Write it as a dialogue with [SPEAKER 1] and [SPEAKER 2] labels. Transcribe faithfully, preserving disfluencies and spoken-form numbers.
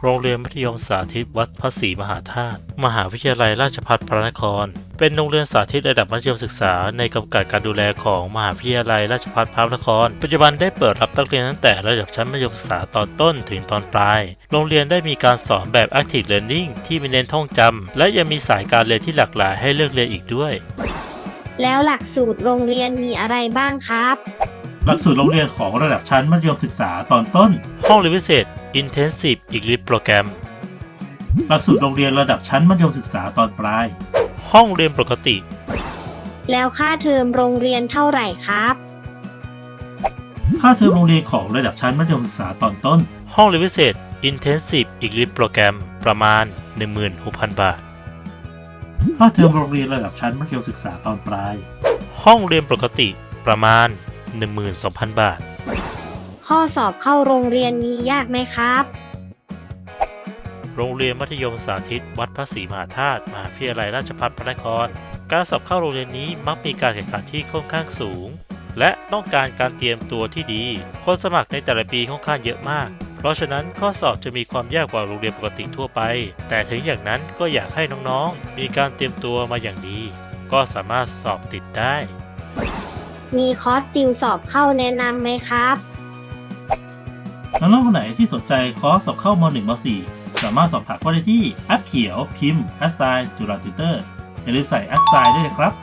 [SPEAKER 1] โรงเรียนมัธยมสาธิตวัดพระศรีมหาธาตุมหาวิทยาลัยราชภัฏพระนครเป็นโรงเรียนสาธิตระดับมัธยมศึกษาในกำกับการดูแลของมหาวิทยาลัยราชภัฏพระนครปัจจุบันได้เปิดรับนักเรียนตั้งแต่ระดับชั้นมัธยมศึกษาตอนต้นถึงตอนปลายโรงเรียนได้มีการสอนแบบ Active Learning ที่ไม่เน้นท่องจำและยังมีสายการเรียนที่หลากหลายให้เลือกเรียนอีกด้วย
[SPEAKER 2] แล้วหลักสูตรโรงเรียนมีอะไรบ้างครับ
[SPEAKER 3] หลักสูตรโรงเรียนของระดับชั้นมัธยมศึกษาตอนต้น
[SPEAKER 1] ห้องเรียนพิเศษ Intensive English Program
[SPEAKER 3] หลักสูตรโรงเรียนระดับชั้นมัธยมศึกษาตอนปลาย
[SPEAKER 1] ห้องเรียนปกติ
[SPEAKER 2] แล้วค่าเทอมโรงเรียนเท่าไหร่ครับ
[SPEAKER 3] ค่าเทอมโรงเรียนของระดับชั้นมัธยมศึกษาตอนต้น
[SPEAKER 1] ห้องเรียนพิเศษ Intensive English Program ประมาณ หนึ่งหมื่นหกพัน บาท
[SPEAKER 3] ค่าเทอมโรงเรียนระดับชั้นมัธยมศึกษาตอนปลาย
[SPEAKER 1] ห้องเรียนปกติประมาณ หนึ่งหมื่นสองพัน บาท
[SPEAKER 2] ข้อสอบเข้าโรงเรียนนี้ยากไหมครับ
[SPEAKER 1] โรงเรียนมัธยมสาธิตวัดพระศรีมหาธาตุมหาวิทยาลัยราชภัฏพระนครการสอบเข้าโรงเรียนนี้มักมีการแข่งขันที่ค่อนข้างสูงและต้องการการเตรียมตัวที่ดีคนสมัครในแต่ละปีค่อนข้างเยอะมากเพราะฉะนั้นข้อสอบจะมีความยากกว่าโรงเรียนปกติทั่วไปแต่ถึงอย่างนั้นก็อยากให้น้องๆมีการเตรียมตัวมาอย่างดีก็สามารถสอบติดได้
[SPEAKER 2] มีคอร์สติวสอบเข้าแนะนำไหมครับ
[SPEAKER 3] น้องๆคนไหนที่สนใจคอร์สสอบเข้าม หนึ่ง ม สี่ สามารถสอบถามเข้าได้ที่แอปเขียวพิมพ์ แอสไซน์ จุฬาติวเตอร์อย่าลืมใส่ แอสไซน์ ด้วยนะครับ